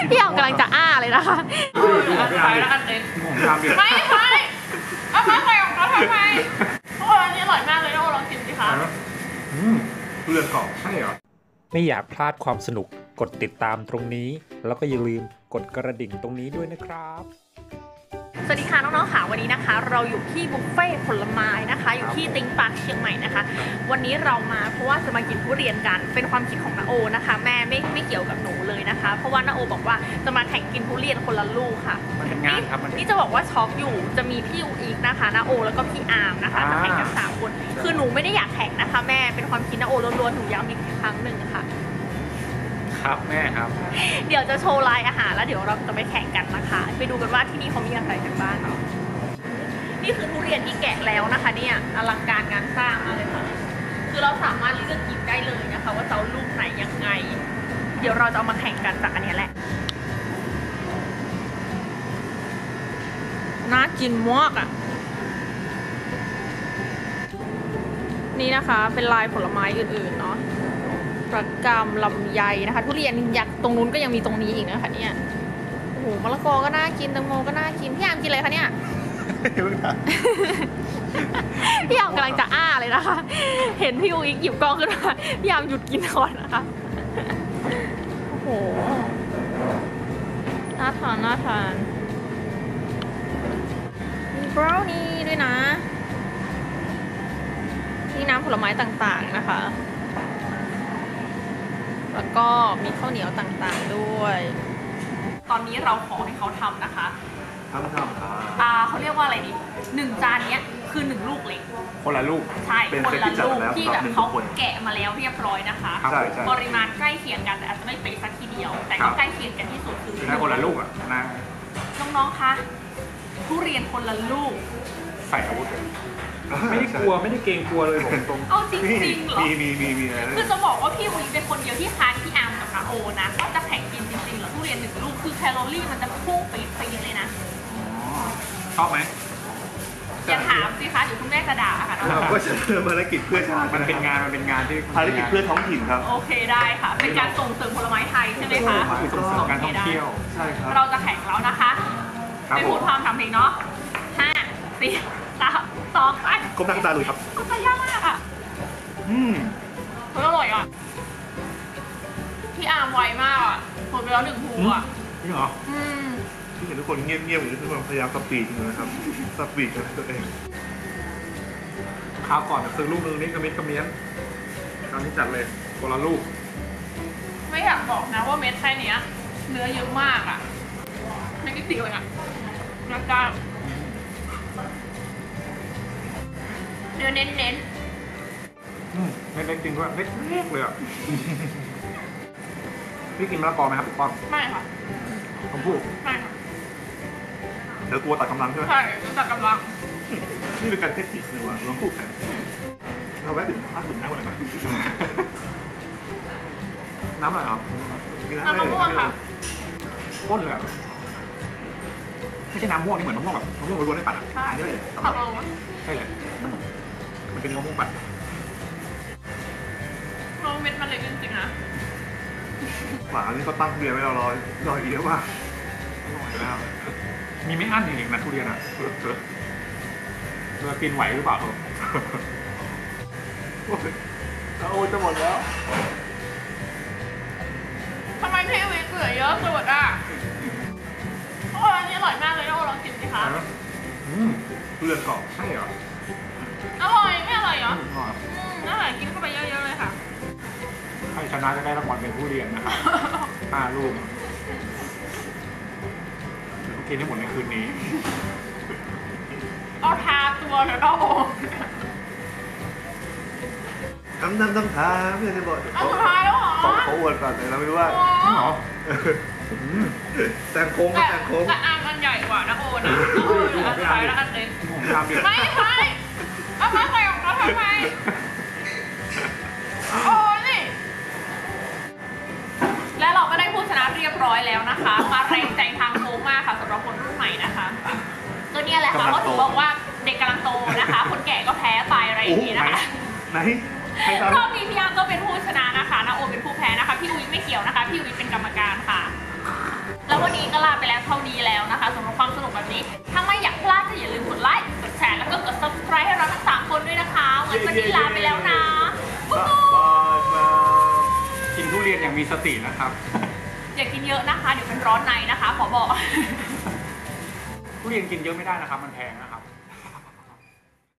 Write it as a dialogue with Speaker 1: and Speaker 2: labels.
Speaker 1: พี่อ๋อมกำลังจะอ้าเลยนะคะไปแล้วกันเลยไม่เอามาใส่ของเขาทำไมโอ้อันนี้อร่อยมากเลยนะโอ้ลองชิมสิคะ
Speaker 2: เปลือกกรอบใช่เหรอ
Speaker 3: ไม่อยากพลาดความสนุกกดติดตามตรงนี้แล้วก็อย่าลืมกดกระดิ่งตรงนี้ด้วยนะครับ
Speaker 1: สวัสดีค่ะน้องๆค่ะวันนี้นะคะเราอยู่ที่บุฟเฟ่ผลไม้นะคะอยู่ที่ติงปาร์คเชียงใหม่นะคะวันนี้เรามาเพราะว่าจะมากินทุเรียนกันเป็นความคิดของน้าโอนะคะแม่ไม่เกี่ยวกับหนูเลยนะคะเพราะว่าน้าโอบอกว่าจะมาแข่งกินทุเรียนคนละลูกค่ะนี่จะบอกว่าช็อกอยู่จะมีพี่อูอีกนะคะน้าโอแล้วก็พี่อาร์มนะคะจะแข่งกัน3 คนคือหนูไม่ได้อยากแข่งนะคะแม่เป็นความคิดน้าโอล้วนๆหนูย้ำอีกครั้งหนึ่งค่ะ
Speaker 3: ครับแม่ครับ
Speaker 1: เดี๋ยวจะโชว์ลายอาหารแล้วเดี๋ยวเราจะไปแข่งกันนะคะไปดูกันว่าที่นี่เขามีอะไรกันบ้างเนาะนี่คือทุเรียนที่แกะแล้วนะคะเนี่ยอลังการงานสร้างมากเลยค่ะคือเราสามารถเลือกหยิบได้เลยนะคะว่าจะเอาลูกไหนยังไงเดี๋ยวเราจะเอามาแข่งกันจากอันนี้แหละน่ากินมากอ่ะนี่นะคะเป็นลายผลไม้อื่นๆเนาะประกำลำไยนะคะทุเรียนยักษ์ตรงนู้นก็ยังมีตรงนี้อีกนะคะเนี่ยโอ้โหมะละกอก็น่ากินแตงโมก็น่ากินพี่อามกินอะไรคะเนี่ยพี่อามกำลังจะอ้าเลยนะคะเห็นพี่อูอีกหยิบกล้องขึ้นมาพี่อามหยุดกินก่อนนะคะโอ้โหน่าทานน่าทานมีบราวนี่ด้วยนะนี่น้ำผลไม้ต่างๆนะคะแล้วก็มีข้าวเหนียวต่างๆด้วยตอนนี้เราขอให้เขาทำนะคะ
Speaker 2: ทำครับ
Speaker 1: เขาเรียกว่าอะไรดี1 จานนี้คือ1 ลูกเล็ก
Speaker 3: คนละลูก
Speaker 1: ใช่คนละลูกที่แบบเขาแกะมาแล้วเรียบร้อยนะคะปริมาณใกล้เคียงกันแต่อาจจะไม่เป๊ะสักทีเดียวแต่ก็ใกล้เคียงกันที่สุดคือ
Speaker 3: ได้คนละลูกอ่ะนะ
Speaker 1: น้องๆคะทุเรียนคนละลูก
Speaker 3: ใส่อาวุธเลยไม่ได้กลัวไม่ได้เกรงกลัวเลยผมตรง
Speaker 1: เอาจริงๆเหรอ
Speaker 2: มีอะไร
Speaker 1: คือจะบอกว่าพี่วีเป็นคนเดียวที่ค้านพี่อาร์มกับนาโอนะก็จะแข่งกินจริงๆแล้วทุเรียน1 ลูกคือแคลอรี่มันจะพุ่งไปเลยนะ
Speaker 3: ชอบไหม
Speaker 1: อย่าถามสิคะเดี๋ยวคุณแม่จะด่าค่ะ
Speaker 2: เราก็จะเริ่มภารกิจเพื่อชาติ
Speaker 3: มันเป็นงานที่
Speaker 2: ภารกิจเพื่อท้องถิ่นครับ
Speaker 1: โอเคได้ค่ะเป็นการส่งเสริมผลไม้ไทยใช่ไหมคะ
Speaker 3: ส่งเสริมการท่องเที่ยว
Speaker 2: ใช่ครับ
Speaker 1: เราจะแข่งแล้วนะคะไปพูดความทำเพลงเนาะ5 4 3 2ไป
Speaker 2: ก้มหน้าตาเลยครับ
Speaker 1: ก็จะยากมากอ่ะอร่อยอ่ะพี่อาร์มไวมากอ่ะหมดไปแล้ว1 ภูอ่ะ
Speaker 2: จริงเหรอที่เห็นทุกคนเงียบๆอยู่ทุกคนพยายามสปีดอยู่นะครับสปีดกันตัวเอง
Speaker 3: คราวก่อนซื้อลูกนึงนี่กระเมี้ยนคราวนี้จัดเลยคนละลูก
Speaker 1: ไม่อยากบอกนะว่าเม็ดแค่นี้เนื้อเยอะมากอ่ะไม่กี่สิ่งเลยอ่ะแล้วก็เนื้อเน้น
Speaker 3: ไม่เล็กจริงด้วยเล็กเลยอ่ะพี่กินมะละกอไหมครับพี่ป้อม
Speaker 1: ไม่ค่ะ
Speaker 3: ผมพูด
Speaker 1: ไม่ค่ะ
Speaker 2: เดี๋ยวกลัวตัดกำลังใช่ไหม
Speaker 1: ใช่ตัดกำลัง
Speaker 2: นี่เป็นการเทคนิคเลยว่ะลองพูดกันเราแวะดื่มน้ำก่อนนะ
Speaker 3: น้ำอะไรครับ
Speaker 1: น้ำมะม่วงค่ะ
Speaker 3: ข้นเลยไม่ใช่น้ำม่วงนี่เหมือนมะม่วงแบบมะม่วงล้วนๆในปั่น
Speaker 1: ใช่
Speaker 3: เลยใช่เลยมันเป็นมะม่วงปั่น
Speaker 1: เม็ดมันเล็กจริงๆนะ
Speaker 2: หมานี่ก็ตั้งเบียร์ไว้รออีกแล้วว่า
Speaker 3: มีไม่อั้นจริงๆนะทุเรียนอ่ะเรากินไหวหรือเปล่า
Speaker 2: โอ้จะหมดแล้ว
Speaker 1: ทำไมพี่วิทย์เหลือเยอะสุดอ่ะโอ้อันนี้อร่อยมากเลยนะลองชิมสิคะ
Speaker 2: เปลือกกรอบ
Speaker 3: ใช่เหรอ
Speaker 1: อร่อยไม่อร่อยเหรออร่อยกินเข้าไปเยอะๆเลยค่ะ
Speaker 3: ใครชนะจะได้รางวัลเป็นผู้เรียนนะครับ5 ลูกเดี๋ยวกินให้หมดในคืนนี้
Speaker 1: เอาทาตัวเดี๋ยวเรา
Speaker 2: ต้องทาเพื่อจะบอก
Speaker 1: เอาสุดท้ายแล้วเหรอ
Speaker 2: เขาอวดก่อนแต่เราไม่รู้ว่า
Speaker 3: หรอ
Speaker 2: แต่งโค้งแต่งโค้ง
Speaker 1: แต่อันใหญ่กว่านะโอนะอันท้ายแล้วอันเล็กไม่เอามาใส่ของเขาทำไมโอ้นี่และเราก็ได้ผู้ชนะเรียบร้อยแล้วนะคะมาแรงใจทางโค้งมากค่ะสำหรับคนรุ่นใหม่นะคะก็เนี่ยแหละค่ะเพราะถือบอกว่าเด็กกำลังโตนะคะคนแก่ก็แพ้ไปอะไรอย่างนี้นะคะ
Speaker 2: ไหน
Speaker 1: รอบนี้พี่อาร์มก็เป็นผู้ชนะนะคะนาโอเป็นผู้แพ้นะคะพี่วิไม่เกี่ยวนะคะพี่วิเป็นกรรมการค่ะนี้ถ้าไม่อยากพลาดก็อย่าลืมกดไลค์กดแชร์แล้วก็กด subscribe ให้เราทั้ง3คนด้วยนะคะวันนี้ลาไปแล้วนะ
Speaker 2: บายบาย
Speaker 3: กินทุเรียนอย่างมีสตินะครับ
Speaker 1: อย่ากินเยอะนะคะเดี๋ยวเป็นร้อนในนะคะขอบอก
Speaker 3: ทุเรียนกินเยอะไม่ได้นะครับ มันแพงนะครับ